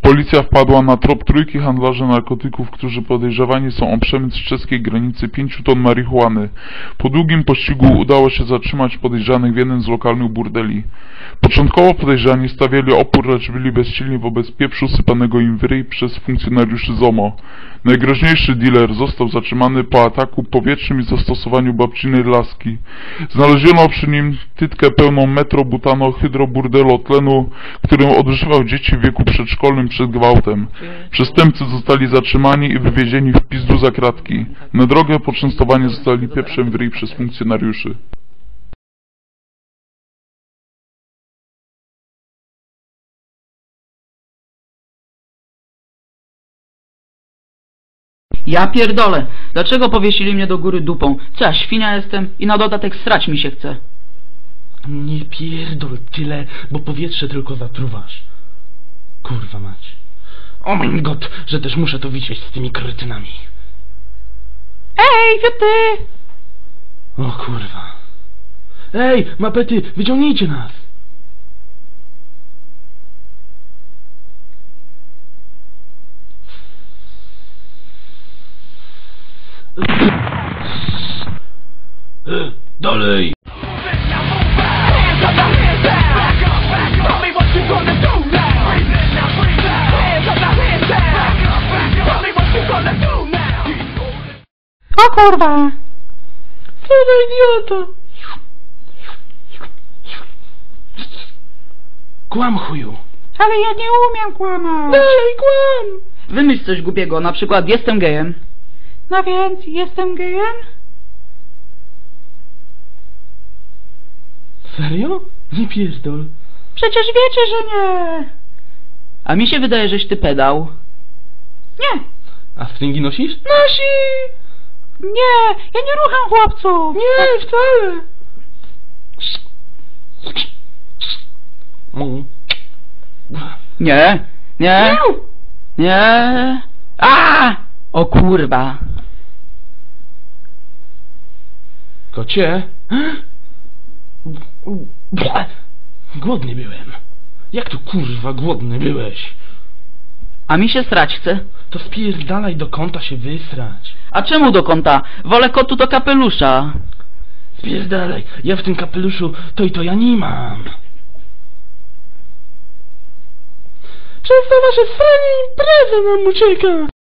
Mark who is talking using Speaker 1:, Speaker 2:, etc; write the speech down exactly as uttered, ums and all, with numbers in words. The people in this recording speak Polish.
Speaker 1: Policja wpadła na trop trójki handlarzy narkotyków, którzy podejrzewani są o przemyt z czeskiej granicy pięciu ton marihuany. Po długim pościgu udało się zatrzymać podejrzanych w jednym z lokalnych burdeli. Początkowo podejrzani stawiali opór, lecz byli bezsilni wobec pieprzu sypanego im w ryj przez funkcjonariuszy ZOMO. Najgroźniejszy dealer został zatrzymany po ataku powietrznym i zastosowaniu babcinej laski. Znaleziono przy nim tytkę pełną metrobutano-hydroburdelotlenu, którym odżywał dzieci w wieku przedszkolnym przed gwałtem. Przestępcy zostali zatrzymani i wywiezieni w pizdu za kratki. Na drogę poczęstowani zostali pieprzem w ryj przez funkcjonariuszy.
Speaker 2: Ja pierdolę! Dlaczego powiesili mnie do góry dupą? Co ja, świnia jestem? I na dodatek srać mi się chce.
Speaker 3: Nie pierdol tyle, bo powietrze tylko zatruwasz. Kurwa mać. O mój god, że też muszę to widzieć z tymi kretynami.
Speaker 2: Ej, ty!
Speaker 3: O kurwa. Ej, mapety, wyciągnijcie nas! Dalej!
Speaker 2: O kurwa!
Speaker 3: Co za idiota! Kłam, chuju!
Speaker 2: Ale ja nie umiem kłamać!
Speaker 3: Dalej, kłam!
Speaker 2: Wymyśl coś głupiego, na przykład jestem gejem. No więc, jestem gejem?
Speaker 3: Serio? Nie pierdol.
Speaker 2: Przecież wiecie, że nie! A mi się wydaje, żeś ty pedał. Nie!
Speaker 3: A stringi nosisz?
Speaker 2: Nosi! Nie! Ja nie rucham chłopców!
Speaker 3: Nie, wcale! Mm.
Speaker 2: Nie! Nie! Nie! A! O kurwa!
Speaker 3: Kocie? Głodny byłem. Jak tu kurwa głodny byłeś?
Speaker 2: A mi się srać chce.
Speaker 3: To spierdalaj do kąta się wysrać.
Speaker 2: A czemu do kąta? Wolę kotu do kapelusza.
Speaker 3: Spierdalaj, ja w tym kapeluszu to i to ja nie mam. Przez to wasze sranie impreza nam ucieka.